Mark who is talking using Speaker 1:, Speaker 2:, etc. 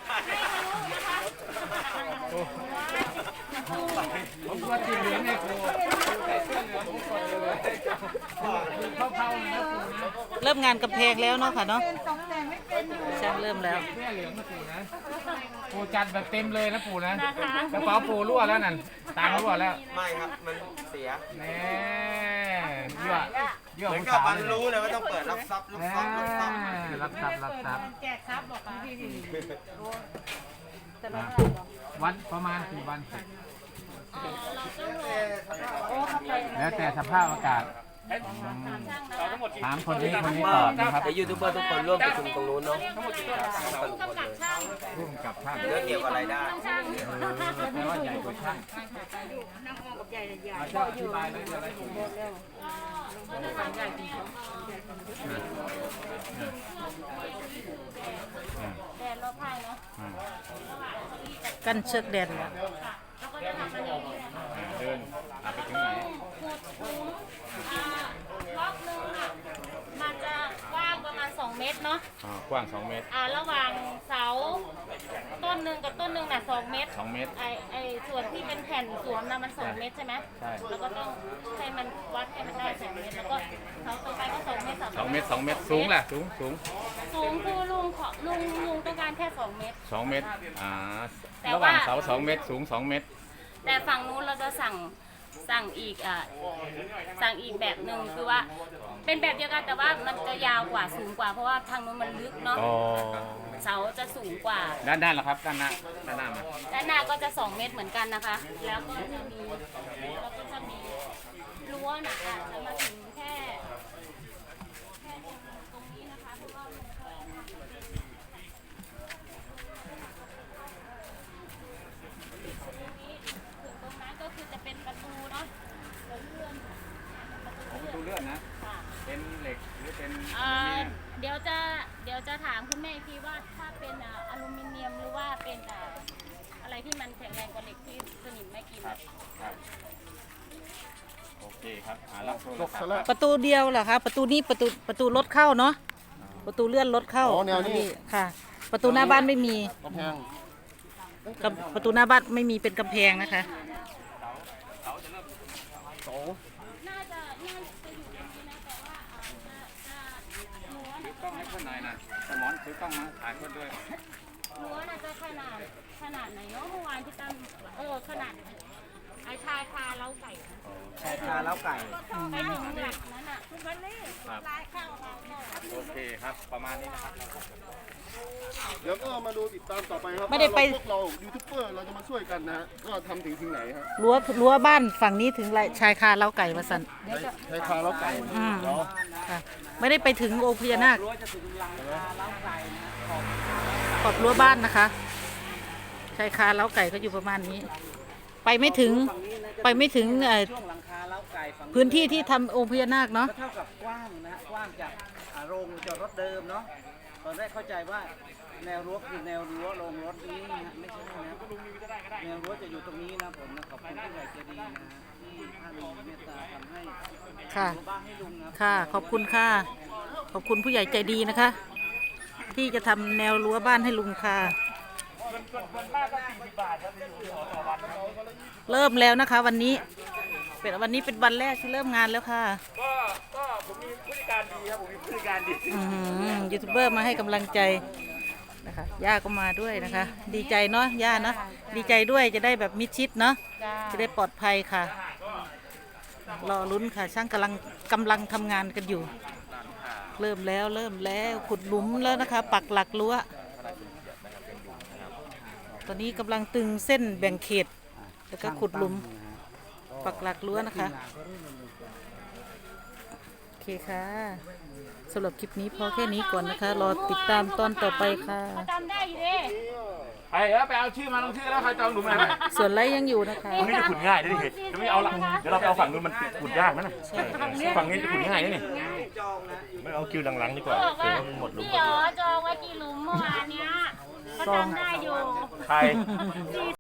Speaker 1: ผมว่าสีเหลืองไงครูใส่เสื้อเหลืองผมคนเลยเข้าๆเลยนะครูนะ
Speaker 2: เริ่มงานกำแพงแล้วเนาะค่ะเนาะช่างเริ่มแล้ว
Speaker 1: เสื้อเหลืองนะปู่นะปู่จัดแบบเต็มเลยนะปู่นะกระเป๋าปู่รั่วแล้วนั่นตามรั่วแล้ว
Speaker 3: ไม่ครับมันเสีย
Speaker 1: แน่ยั่ว
Speaker 3: เหมือนกับมันรู้เลยว่าต้องเปิดรับซับรับซับรับซับ
Speaker 1: รับซับ
Speaker 4: แจกซับบอกค่ะ
Speaker 1: วันประมาณกี่วันแล้วแต่สภาพอากาศถามคนนี้ตอบนะครับ
Speaker 3: ยูทูบเบอร์ทุกคนร่วมประชุมตรงนู้นเนาะ
Speaker 1: ร่วมกับช่าง
Speaker 3: เรื่องเกี่ยวกับรายได้
Speaker 1: แปลว่าใหญ่กว่าช่าง
Speaker 4: นั่งออกกับใหญ่ใหญ่
Speaker 1: ช่างอธิบายเลยอะไรผม
Speaker 4: ใหญ่จริงแดดรอบข้างเนาะ
Speaker 2: กั้นเชือกแดนแล้ว
Speaker 1: เดินไปถึงไหน
Speaker 4: รอบนึงอ่ะมันจะกว้างประมาณ2 เมตรเนาะ
Speaker 1: กว้าง2 เมตร
Speaker 4: ระหว่างเสาต้นหนึ่งกับต้นหนึ่งน่ะ2 เมตรไอส่วนที่เป็นแผ่นสวมนะมัน2 เมตรใช่ไหม
Speaker 1: ใช่
Speaker 4: แล้วก็ต้องให้มันวัดให้มันได้2 เมตรแล้วก็เสาต่อไปก็2 เมตร
Speaker 1: 2 เมตร2 เมตรสูงล่ะสูง
Speaker 4: คือลุงต้องการแค่2 เมตร
Speaker 1: 2 เมตรระหว่างเสา2 เมตรสูง2 เมตร
Speaker 4: แต่ฝั่งนู้นเราจะสั่งอีกแบบหนึ่งคือว่าเป็นแบบเดียวกันแต่ว่ามันจะยาวกว่าสูงกว่าเพราะว่าทางนู้นมันลึกเนาะเสาจะสูงกว่า
Speaker 1: ด้านเหรอครับด้านหน้ามา
Speaker 4: ด้านหน้าก็จะ2 เมตรเหมือนกันนะคะแล้วก็จะมีรั้วนะจะมาถึงแค่ตรงนี้นะคะเพราะว่าตรงนั้นก็คือจะเป็นประตูเนาะ
Speaker 1: ประตูเลื่อนนะเป็นเหล็กหรือเป็น
Speaker 4: เดี๋ยวจะถามคุณแม่พี่ว่าถ้าเป็นอลูมิเนียมหรือว่าเป็นอะไรที่มันแข็งแรงกว่าเหล็กที่สนิมไม่กิน
Speaker 1: ครับโอเคครับ
Speaker 2: ประตูเดียวเหรอคะประตูนี้ประตูรถเข้าเนาะประตูเลื่อนรถเข้า
Speaker 3: แนวนี้
Speaker 2: ค่ะประตูหน้าบ้านไม่มีประตูหน้าบ้านไม่มีเป็นกำแพงนะคะ
Speaker 4: น่าจะอยู่ตรงนี้นะแต่ว่า
Speaker 1: ถือกล้องให้คนหน่อยนะสมอนถือกล้องมาถ่ายคนด้วย
Speaker 4: รั้วน่าจะขนาดไหนเนาะเมื่อวานที่ตั้งขนาดไอ้ชายคาเล้าไก่
Speaker 3: ชายคาเล้าไก่
Speaker 4: ไปถึงหลักนั้นอ่ะทุกวันนี้ลายข้าว
Speaker 1: โอเคครับประมาณนี้นะครับ
Speaker 5: เดี๋ยวก็มาดูติดตามต่อไปครับ
Speaker 2: ไม่ได้ไป
Speaker 5: พวกเรายูทูบเบอร์เราจะมาช่วยกันนะก็ทำถึงไหนครับ
Speaker 2: รั้วบ้านฝั่งนี้ถึงชายคาเล้าไก่มาสั่น
Speaker 5: ชายคาเล้าไก่
Speaker 2: ค่ะไม่ได้ไปถึงองค์พญานาคขอบรั้วบ้านนะคะชายคาเล้าไก่ก็อยู่ประมาณนี้ไปไม่ถึงพื้นที่ที่ทำองค์พญานาคเนาะ
Speaker 3: เท่ากับกว้างนะกว้างจากโรงจอดรถเดิมเนาะตอนแรกเข้าใจว่าแนวรั้วคือแนวรั้วโรงรถนี้นะไม่ใช่นะแนวรั้วจะอยู่ตรงนี้นะผมนะขอบคุณผู้ใหญ่ใจดีนะที่ท่านเมตตาทำให้บ้านให้ลุงนะ
Speaker 2: ค่ะขอบคุณค่ะขอบคุณผู้ใหญ่ใจดีนะคะที่จะทำแนวรั้วบ้านให้ลุงค่ะเริ่มแล้วนะคะวันนี้เป็นวันแรกที่เริ่มงานแล้วค่ะ
Speaker 1: ก็ผมมีผู้จัดการดีครับผมมีผู้จัดการดี
Speaker 2: ยูทูบเบอร์มาให้กำลังใจนะคะย่าก็มาด้วยนะคะดีใจเนาะย่าเนาะดีใจด้วยจะได้แบบมิดชิดเนาะจะได้ปลอดภัยค่ะรอลุ้นค่ะช่างกำลังทำงานกันอยู่เริ่มแล้วขุดหลุมแล้วนะคะปักหลักรั้วตอนนี้กำลังตึงเส้นแบ่งเขตแล้วก็ขุดหลุมปักหลักรั้วนะคะโอเคค่ะสำหรับคลิปนี้พอแค่นี้ก่อนนะคะรอติดตามตอนต่อไปค่ะ
Speaker 4: จำได้อยู่ดิ
Speaker 1: ไปเอาชื่อมาลงชื่อแล้วใครจองหลุมอะไร
Speaker 2: ส่วนไรยังอยู่นะคะ
Speaker 1: ตรงนี้จะขุดง่ายด้วยเดี๋ยวไม่เอาละเดี๋ยวเราไปเอาฝั่งนู้นมันขุดยากนะฝั่งนี้จะขุดง่ายนี่ไม่เอาคิวหลังๆดีกว่าเดี๋ยวมันหมดหลุม
Speaker 4: พี่จองไว้กี่หลุมเมื่อวานเนี้ยก็จำได้อยู่
Speaker 1: ใคร